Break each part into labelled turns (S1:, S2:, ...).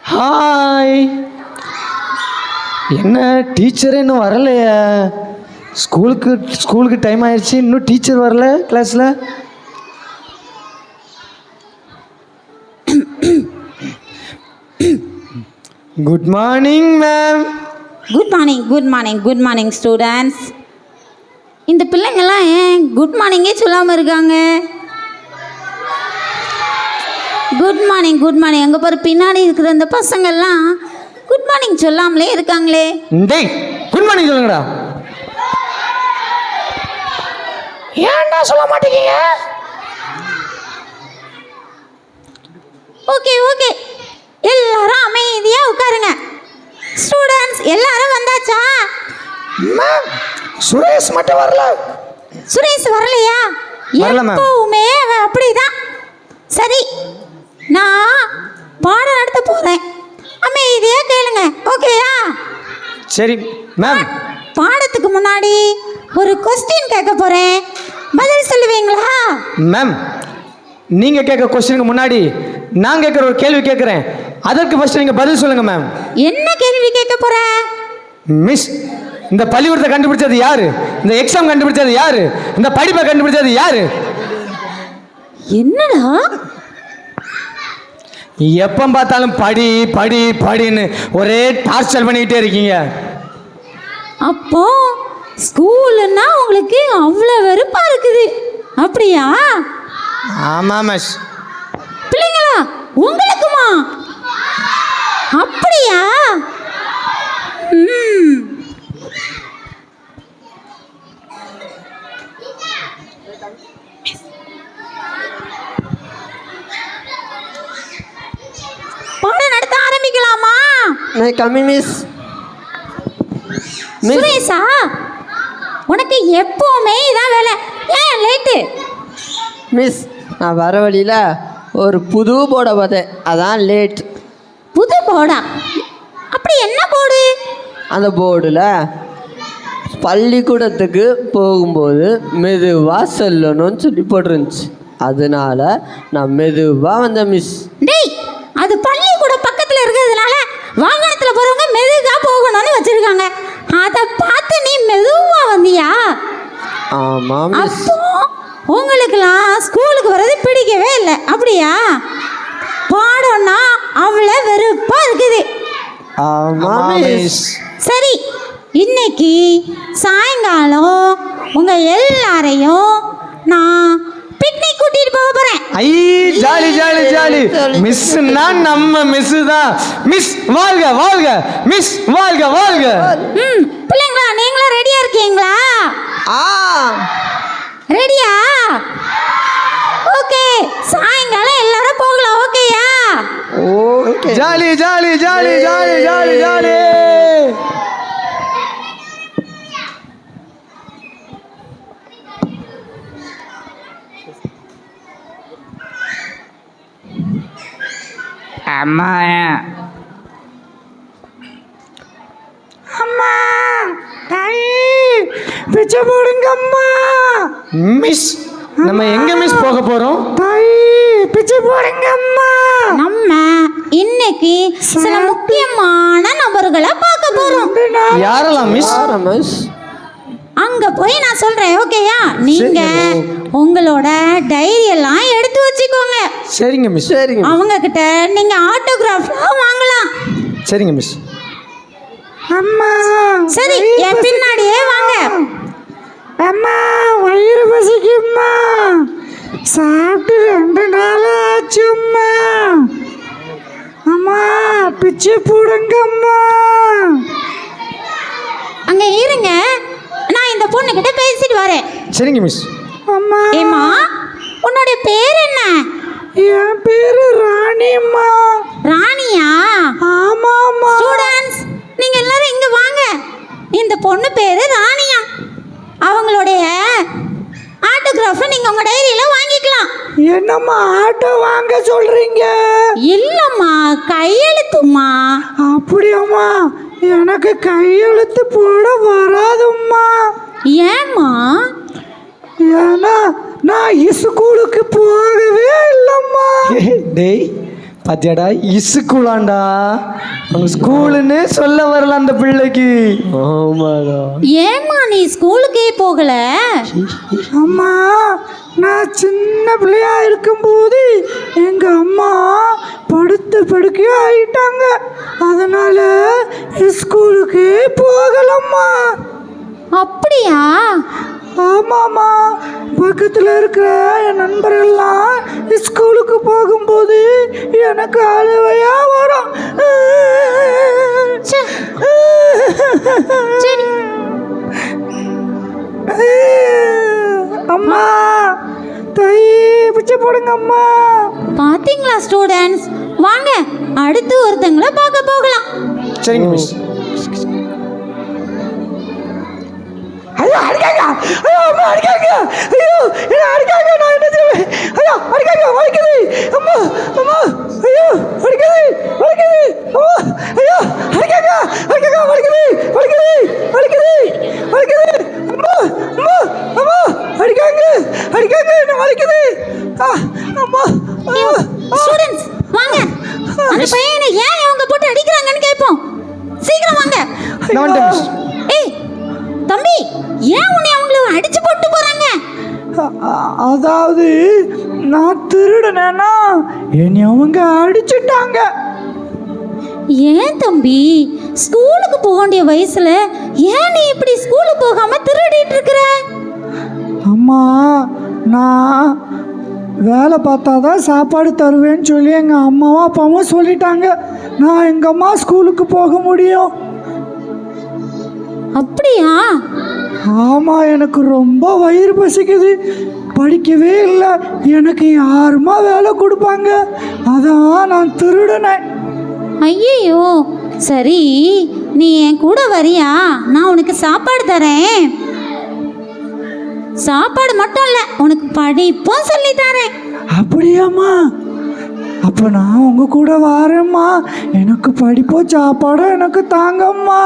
S1: Hi. என்ன teacher இன்னும் வரலையா? ஸ்கூலுக்கு டைம் ஆயிடுச்சு, இன்னும் டீச்சர் வரல கிளாஸில். Good morning ma'am.
S2: Good morning students. இந்த பிள்ளைங்கள்லாம் ஏன் குட் மார்னிங்கே சொல்லாமல் இருக்காங்க? குட் மார்னிங் அங்கே பாரு, பின்னாடி இருக்கிற அந்த பசங்கள்லாம் குட் மார்னிங் சொல்லாமலே இருக்காங்களே.
S1: டேய், குட் மார்னிங் சொல்லுங்கடா. ஏன்டா சொல்ல மாட்டேங்க?
S2: ஓகே எல்லாரும் அமைதியாக உட்காருங்க. ஸ்டூடெண்ட்ஸ் எல்லாரும் வந்தாச்சா?
S1: மேம், சுரேஷ் மட்டும் வரல.
S2: சுரேஷ் வரலையா?
S1: வரல மேம்.
S2: எப்பவுமே அப்படிதான். சரி, நான் பாடம் நடத்த போகிறேன், அமைதியாக கேளுங்க. ஓகேயா?
S1: சரி மேம்.
S2: பாடத்துக்கு முன்னாடி ஒரு கொஸ்டின் கேட்க போகிறேன், பதில் சொல்லுவீங்களா?
S1: மேம், நீங்கள் கேட்குற கொஸ்டினுக்கு முன்னாடி நான் கேட்குற ஒரு கேள்வி கேட்குறேன், அதற்கு ஃபர்ஸ்ட் நீங்கள் பதில் சொல்லுங்க மேம்.
S2: என்ன கேள்வி கேட்க போற?
S1: மிஸ், இந்த பள்ளிக்கூடத்தை கண்டுபிடிச்சது யாரு? இந்த எக்ஸாம் கண்டுபிடிச்சது யாரு? இந்த படிப்பை கண்டுபிடிச்சது யாரு?
S2: என்னடா
S1: எப்போ பார்த்தாலும் படின்னு ஒரே டார்ச்சர் பண்ணிக்கிட்டே இருக்கீங்க.
S2: அப்போ ஸ்கூலுன்னா உங்களுக்கு அவ்வளோ வெறுப்பா இருக்குது, அப்படியா?
S1: ஆமாம் மிஸ்.
S2: பிள்ளைங்களா, உங்களுக்குமா? அப்படியா? பாடம் நடத்த ஆரம்பிக்கலாமா?
S3: மிஸ்.
S2: சுரேஷா, உனக்கு எப்பவுமே இதான் வேலை, ஏன் லேட்டு?
S3: மிஸ், நான் வர வழியில் ஒரு புது போர்டை பார்த்தேன், அதான் லேட்.
S2: புது போர்டா? அப்படி என்ன போர்டு?
S3: அந்த போர்டில் பள்ளிக்கூடத்துக்கு போகும்போது மெதுவாக செல்லணும்னு சொல்லி போட்டிருந்துச்சு, அதனால நான் மெதுவாக வந்தேன் மிஸ்.
S2: டேய், அது பள்ளிக்கூடம் பக்கத்தில் இருக்கிறதுனால வாகனத்தில் போகிறவங்க மெதுவாக போகணும்னு வச்சுருக்காங்க, அதை பார்த்து நீ மெதுவாக வந்தியா?
S3: ஆமாம் மிஸ்.
S2: அப்போ உங்களுக்கெல்லாம் ஸ்கூலுக்கு வர்றது பிடிக்கவே இல்லை, அப்படியா? பாடம்னா அவ்வளோ வெறுப்பாக இருக்குது.
S3: ஆமாம் மிஸ்.
S2: சரி, இன்னைக்கு சாயங்காலம் உங்கள் எல்லாரையும் நான் பிக்னிக் கூட்டிட்டு போக போறேன்.
S1: ஐ, ஜாலி. மிஸ்னா நம்ம மிஸ் தான். மிஸ் வாழ்க, மிஸ் வாழ்க.
S2: பிள்ளைங்களா, நீங்களும் ரெடியா இருக்கீங்களா? ரெடியா? ஓகே, சாயங்காலம் எல்லாரும் போகலாம். ஓகேயா?
S3: ஓகே.
S1: ஜாலி.
S4: அம்மா பிச்சை போடுங்க அம்மா.
S1: மிஸ், நம்ம எங்க மிஸ் போக போறோம்?
S4: பிச்சை போடுங்க அம்மா.
S2: நம்ம இன்னைக்கு சில முக்கியமான நபர்களை பார்க்க போறோம்.
S1: யாரெல்லாம் மிஸ்?
S2: அங்க போய் நான் சொல்றேன். ஓகேயா? நீங்க உங்களோட டைரி எல்லாம் எடுத்து வச்சுக்கோங்க.
S1: சரிங்க மிஸ்.
S2: அவங்க கிட்ட நீங்க ஆட்டோகிராஃப்லாம் வாங்கலாம்.
S1: சரிங்க மிஸ்.
S4: அம்மா
S2: சரி, என் பின்னாடியே வாங்க.
S4: அம்மா, வயிறு பசிக்கும்மா, சாப்பிட்டு 2 நாள் ஆச்சும்மா. அம்மா, பிச்சை போடுங்கம்மா.
S2: அங்க இருங்க, நான் இந்த பொண்ணு கிட்ட பேசிட்டு வரேன்.
S1: சரிங்க மிஸ்.
S4: அம்மா,
S2: ஏமா, உன்னோட பேர் என்ன?
S4: என் பேரு ராணிம்மா.
S2: ராணியா?
S4: ஆமாம்மா.
S2: ஸ்டூடண்ட்ஸ், நீங்க எல்லாரும் இங்க வாங்க. இந்த பொண்ணு பேரு ராணியா. அவங்களுடைய ஆட்டோகிராஃபை நீங்க உங்க டைரியில வாங்கிக்கலாம்.
S4: என்னம்மா ஆட்டோ வாங்க சொல்றீங்க?
S2: இல்லம்மா, கையெழுத்துமா.
S4: அப்படியாம்மா? எனக்கு கையெழுத்து போட வராதும்மா.
S2: ஏம்மா?
S4: ஏன்னா நான் ஸ்கூலுக்கு போகவே இல்லைம்மா.
S1: டேய், பாத்தியாடா இசுக்குலாண்டா அவங்க ஸ்கூலுன்னு சொல்ல வரல அந்த பிள்ளைக்கு.
S3: ஆமாடா.
S2: ஏம்மா நீ ஸ்கூலுக்கே போகல?
S4: அம்மா நான் சின்ன பிள்ளையா இருக்கும்போது எங்க அம்மா படுத்த படுக்கையா ஆயிட்டாங்க. அதனால ஸ்கூலுக்கு போகலம்மா.
S2: அப்படியா?
S4: ஆமாம்மா, பக்கத்தில் இருக்கிற என் நண்பர்கள்லாம் ஸ்கூலுக்கு போகும்போது எனக்கு அழுவையா வரும்.
S2: ச்சே. சரி.
S4: அம்மா தை பிச்சை போடுங்க அம்மா.
S2: பாத்தீங்களா ஸ்டூடெண்ட்ஸ், வாங்க அடுத்து ஒருத்தங்களை பார்க்க போகலாம்.
S1: சரிங்க மிஸ்.
S4: ஐயோ அடிக்காங்க, ஐயோ அம்மா அடிக்காங்க, ஐயோ என்ன அடிக்காங்க, நான் என்ன செய்வேன்? ஐயோ அடிக்காங்க, வலிக்குது அம்மா, அம்மா ஐயோ வலிக்குது, வலிக்குது அம்மா, ஐயோ அடிக்காங்க, அடிக்காங்க, வலிக்குது, வலிக்குது, வலிக்குது, வலிக்குது அம்மா, அம்மா, அம்மா அடிக்காங்க, அடிக்காங்க, என்ன வலிக்குது அம்மா.
S2: ஸ்டூடெண்ட்ஸ் வாங்க, அந்த பையனை ஏன் இவங்க போட்டு அடிக்கிறாங்கன்னு கேட்போம். சீக்கிரம் வாங்க.
S1: நான் வந்துட்டேன் மிஸ்.
S2: ஏய் தம்பி, ஏன் உன்னை அவங்கள அடிச்சு போட்டு போறாங்க?
S4: அதாவது நான் திருடுனேன்னா என்னை அவங்க அடிச்சிட்டாங்க.
S2: ஏன் தம்பி, ஸ்கூலுக்கு போக வேண்டிய வயசுல ஏன் நீ இப்படி ஸ்கூலுக்கு போகாம திருடிட்டு இருக்கிற?
S4: அம்மா நான் வேலை பார்த்தா தான் சாப்பாடு தருவேன்னு சொல்லி எங்கள் அம்மாவும் அப்பாவும் சொல்லிட்டாங்க. நான் எங்கள் அம்மா ஸ்கூலுக்கு போக முடியும்.
S2: அப்படியா?
S4: ஆமாம், எனக்கு ரொம்ப வயிறு பசிக்குது, படிக்கவே இல்லை, எனக்கு யாருமா வேலை கொடுப்பாங்க, அதான் நான் திருடினேன்.
S2: ஐயோ, சரி நீ என் கூட வரியா? நான் உனக்கு சாப்பாடு தரேன். சாப்பாடு மட்டும் இல்லை, உனக்கு படிப்பும் சொல்லி தரேன்.
S4: அப்படியாம்மா? அப்போ நான் உங்கள் கூட வரேம்மா. எனக்கு படிப்போ சாப்பாடோ எனக்கு தாங்கம்மா.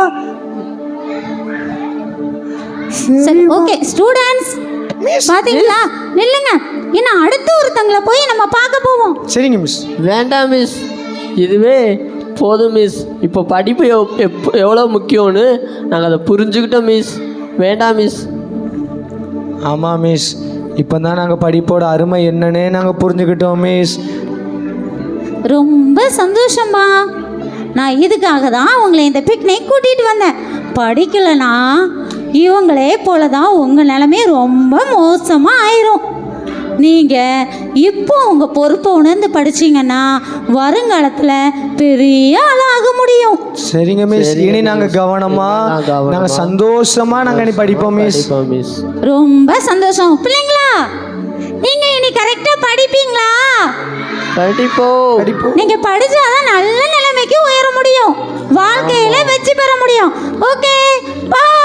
S2: சரி ஓகே ஸ்டூடெண்ட்ஸ், பாத்தீங்களா? நில்லுங்க, இன்னும் அடுத்து ஒருத்தங்களை போய் நம்ம பார்க்க போவோம்.
S1: சரிங்க மிஸ்.
S3: வேண்டாம் மிஸ், இதுவே போதும் மிஸ். இப்போ படிப்பு எவ்வளோ முக்கியம்னு நாங்கள் அதை புரிஞ்சுக்கிட்டோம் மிஸ். வேண்டாம் மிஸ்.
S1: ஆமாம் மிஸ், இப்போ தான் நாங்கள் படிப்போட அருமை என்னன்னே நாங்கள் புரிஞ்சுக்கிட்டோம் மிஸ்.
S2: ரொம்ப சந்தோஷமா. நான் இதுக்காக தான் உங்களை இந்த பிக்னிக் கூட்டிகிட்டு வந்தேன். படிக்கலைன்னா இவங்களே போல தான் உங்கள் நிலைமை ரொம்ப மோசமாக ஆயிரும். நீங்கள் இப்போ உங்கள் பொறுப்பை உணர்ந்து படிச்சிங்கன்னா வருங்காலத்தில் பெரிய ஆளாக முடியும்.
S1: சரிங்க மிஸ், இனி நாங்கள் கவனமாக நாங்கள் சந்தோஷமாக நாங்கள் இனி படிப்போம் மிஸ்.
S3: மிஸ்
S2: ரொம்ப சந்தோஷம். பிள்ளைங்களா, நீங்கள் இனி கரெக்டாக படிப்பீங்களா?
S3: படிப்போம்.
S2: நீங்கள் படித்தாதான் நல்ல நிலைமைக்கு உயர முடியும், வாழ்க்கையில் வெற்றி பெற முடியும். ஓகே, பாய்.